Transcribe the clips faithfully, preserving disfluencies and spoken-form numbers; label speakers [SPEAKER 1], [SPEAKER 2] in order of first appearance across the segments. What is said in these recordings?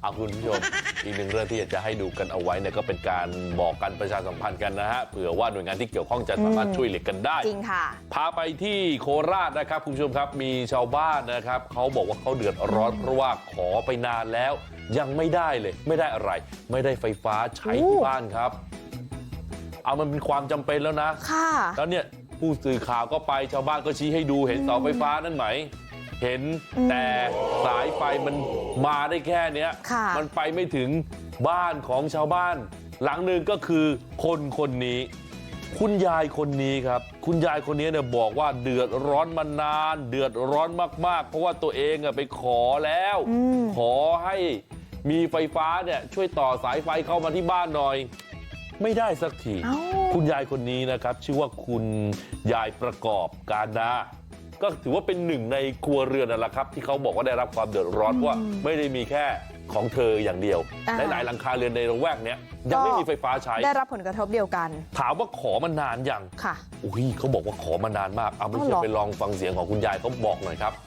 [SPEAKER 1] เอาคุณผู้ชม อีกหนึ่งเรื่องที่อยากจะให้ดูกันเอาไว้เนี่ยก็เป็นการบอกกันประชาสัมพันธ์กันนะฮะเผื่อว่าหน่วยงานที่เกี่ยวข้องจะสามารถช่วยเหลือกันได้
[SPEAKER 2] จริงค่ะ
[SPEAKER 1] พาไปที่โคราชนะครับคุณผู้ชมครับมีชาวบ้านนะครับเขาบอกว่าเขาเดือดร้อนเพราะว่าขอไปนานแล้วยังไม่ได้เลยไม่ได้อะไรไม่ได้ไฟฟ้าใช้ที่บ้านครับเอามันเป็นความจำเป็นแล้วนะ
[SPEAKER 2] ค่ะ
[SPEAKER 1] แล้วเนี่ยผู้สื่อข่าวก็ไปชาวบ้านก็ชี้ให้ดูเห็นเสาไฟฟ้านั่นไหมเห็นแต่สายไฟมันมาได้แค่เนี้ยมันไปไม่ถึงบ้านของชาวบ้านหลังหนึ่งก็คือคนคนนี้คุณยายคนนี้ครับคุณยายคนนี้เนี่ยบอกว่าเดือดร้อนมานานเดือดร้อนมากๆเพราะว่าตัวเองอะไปขอแล้วขอให้มีไฟฟ้าเนี่ยช่วยต่อสายไฟเข้ามาที่บ้านหน่อยไม่ได้สักทีคุณยายคนนี้นะครับชื่อว่าคุณยายประกอบการนาก็ถือว่าเป็นหนึ่งในครัวเรือนนั่นแหละครับที่เขาบอกว่าได้รับความเดือดร้อนเพราะว่าไม่ได้มีแค่ของเธออย่างเดียวหลายๆหลังคาเรือนในระแวกเนี้ยยังไม่มีไฟฟ้าใช้
[SPEAKER 2] ได้รับผลกระทบเดียวกัน
[SPEAKER 1] ถามว่าขอมานานยัง
[SPEAKER 2] ค่ะ
[SPEAKER 1] อุ้ยเขาบอกว่าขอมานานมากเอาไม่เชื่อไปลองฟังเสียงของคุณยายเขาบอกหน่อยครับ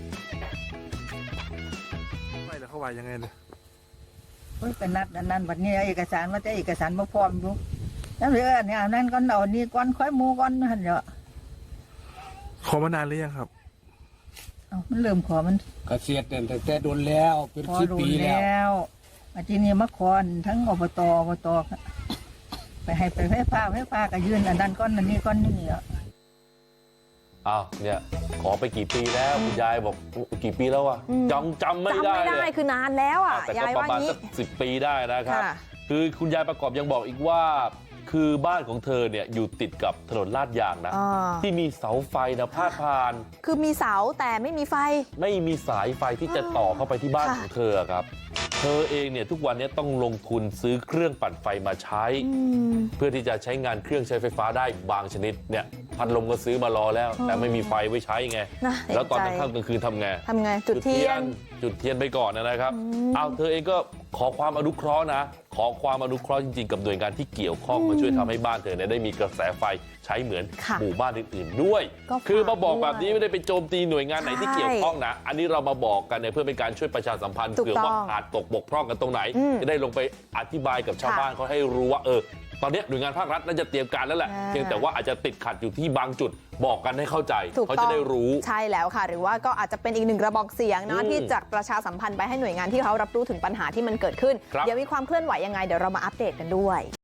[SPEAKER 3] ไม่แล้วเขาว่ายังไงเลย
[SPEAKER 4] เฮ้ยเป็นนัดนั่นวันนี้เอกสารว่าจะเอกสารมาพร้อมอยู่นั่นเลยเนี่ยนั่นก้อนเอานี่ก้อนค่อยมูก้อนหันเนาะ
[SPEAKER 3] ขอมานานหรือยังครับ
[SPEAKER 4] เอามันเริ่มขอมัน
[SPEAKER 5] เกษียณแต่แต่โดนแล้วเป็นสิบปีแล้ว
[SPEAKER 4] อาทีนี้มาขอทั้งอบตอบตไปให้ไปไฟฟ้าไฟฟ้าก็ยื่นอันนั้นก้อนอันนี้ก้อนนี่อ่ะ
[SPEAKER 1] อ้าวเนี่ยขอไปกี่ปีแล้วคุณยายบอกกี่ปีแล้วอะจำจำไม่ได้
[SPEAKER 2] จำไม่ได้คือนานแล้วอ่ะ
[SPEAKER 1] แต่ก็ประมาณสักสิบปีได้นะครับคือคุณยายประกอบยังบอกอีกว่าคือบ้านของเธอเนี่ยอยู่ติดกับถนนลาดยางนะที่มีเสาไฟนะพาดผ่าน
[SPEAKER 2] คือมีเสาแต่ไม่มีไฟ
[SPEAKER 1] ไม่มีสายไฟที่จะต่อเข้าไปที่บ้านของเธอครับเธอเองเนี่ยทุกวันนี้ต้องลงทุนซื้อเครื่องปั่นไฟมาใช้เพื่อที่จะใช้งานเครื่องใช้ไฟฟ้าได้บางชนิดเนี่ยพัดลมก็ซื้อมารอแล้วแต่ไม่มีไฟไว้ใช้ไงแล้วตอนกลางค่ำกลางคืนทำไง
[SPEAKER 2] ทำไงจุดเทียน
[SPEAKER 1] จุดเทียนไปก่อนนะครับเอาเธอเองก็ขอความอนุเคราะห์นะขอความอนุเคราะห์จริงๆกับหน่วยงานที่เกี่ยวข้องมาช่วยทำให้บ้านเธอเนี่ยได้มีกระแสไฟใช้เหมือนหมู่บ้านอื่นๆด้วยคือมาบอกแบบนี้ไม่ได้ไปโจมตีหน่วยงานไหนที่เกี่ยวข้องนะอันนี้เรามาบอกกันเนี่ยเพื่อเป็นการช่วยประชาสัมพันธ์เผื่อว่าขาดตกบกพร่องกันตรงไหนจะได้ลงไปอธิบายกับชาวบ้านเขาให้รู้ว่าเออตอนนี้หน่วยงานภาครัฐน่าจะเตรียมการแล้วแหละเพียงแต่ว่าอาจจะติดขัดอยู่ที่บางจุดบอกกันให้เข้าใจเขาจะได้รู้
[SPEAKER 2] ใช่แล้วค่ะหรือว่าก็อาจจะเป็นอีกหนึ่งกระบอกเสียงนะที่จะประชาสัมพันธ์ไปให้หน่วยงานที่เขารับรู้ถึงปัญหาที่มันเกิดขึ้นเดี๋ยวมีความเคลื่อนไหวยังไงเดี๋ยวเรามาอัปเดตกันด้วย